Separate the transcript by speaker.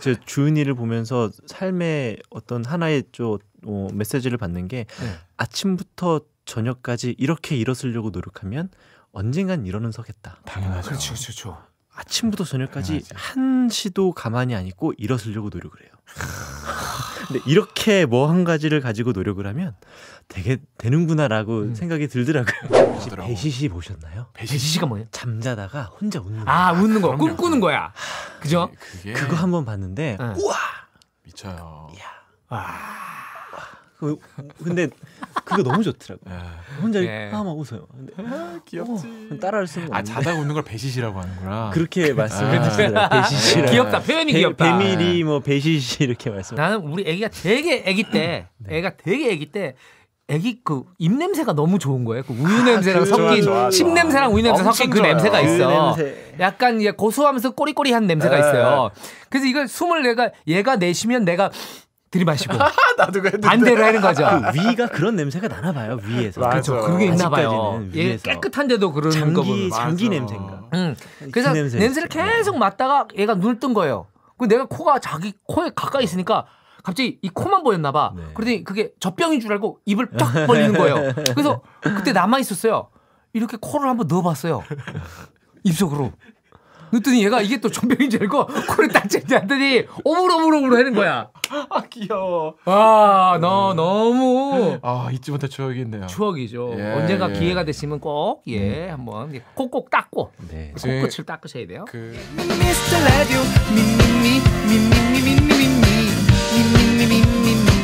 Speaker 1: 제 주은이를 보면서 삶의 어떤 하나의 메시지를 받는 게 아침부터 저녁까지 이렇게 일어서려고 노력하면 언젠간 일어는 서겠다.
Speaker 2: 당연하죠.
Speaker 3: 그렇죠.
Speaker 1: 아침부터 저녁까지 한시도 가만히 안 있고 일어서려고 노력을 해요. 근데 이렇게 뭐 한 가지를 가지고 노력을 하면 되게 되는구나라고 생각이 들더라고요. 혹시 배시시 보셨나요?
Speaker 3: 배시시가 뭐예요?
Speaker 1: 잠자다가 혼자 웃는 거.
Speaker 3: 아, 웃는 거, 꿈꾸는 거야. 그죠?
Speaker 1: 그거 한번 봤는데 우와
Speaker 2: 미쳐요.
Speaker 1: 근데 그거 너무 좋더라고요. 혼자
Speaker 3: 네.
Speaker 1: 막 웃어요. 근데
Speaker 2: 귀엽지.
Speaker 1: 따라할 수는 없는데.
Speaker 2: 자다가 웃는 걸 배시시라고 하는구나.
Speaker 1: 그렇게 말씀해 주시더라고요. 배시시라.
Speaker 3: 귀엽다. 표현이 귀엽다.
Speaker 1: 배밀이 뭐 배시시 이렇게 말씀.
Speaker 3: 나는 우리 애기가 되게 애기 때, 애가 되게 애기 때 애기 그 입냄새가 너무 좋은 거예요. 그 우유 냄새랑 섞인 씹냄새랑 우유 냄새 섞인 그 냄새가 있어. 약간 고소하면서 꼬리꼬리한 냄새가 있어요. 그래서 이걸 숨을 얘가 내쉬면 내가 들이마시고
Speaker 2: 나도 그랬는데.
Speaker 3: 반대로 하는 거죠.
Speaker 1: 그 위가 그런 냄새가 나나 봐요. 위에서.
Speaker 3: 그렇죠. 그게 있나 봐요. 얘
Speaker 1: 위에서.
Speaker 3: 깨끗한데도 그런 거 보면.
Speaker 1: 장기 냄새인가.
Speaker 3: 그래서
Speaker 1: 그 냄새
Speaker 3: 냄새를 계속 맡다가 얘가 눈을 뜬 거예요. 근데 내가 코가 자기 코에 가까이 있으니까 갑자기 이 코만 보였나 봐.
Speaker 1: 네.
Speaker 3: 그러더니 그게 젖병인 줄 알고 입을 쫙 벌리는 거예요. 그래서 그때 남아 있었어요. 이렇게 코를 한번 넣어봤어요. 입속으로. 그랬더니 얘가 이게 또 젖병인 줄 알고 코를 딱 째더니 오물오물오물 하는 거야.
Speaker 2: 아 귀여워.
Speaker 3: 아, 너 너무
Speaker 2: 잊지 못할 추억이네요.
Speaker 3: 추억이죠.
Speaker 2: 예,
Speaker 3: 언젠가
Speaker 2: 예.
Speaker 3: 기회가 되시면 꼭 한번 코 꼭 닦고
Speaker 1: 네.
Speaker 3: 코끝을 닦으셔야 돼요.
Speaker 4: Mr. Radio, me, me, me, me, me, me, me, me, me, me, me, me, me, me.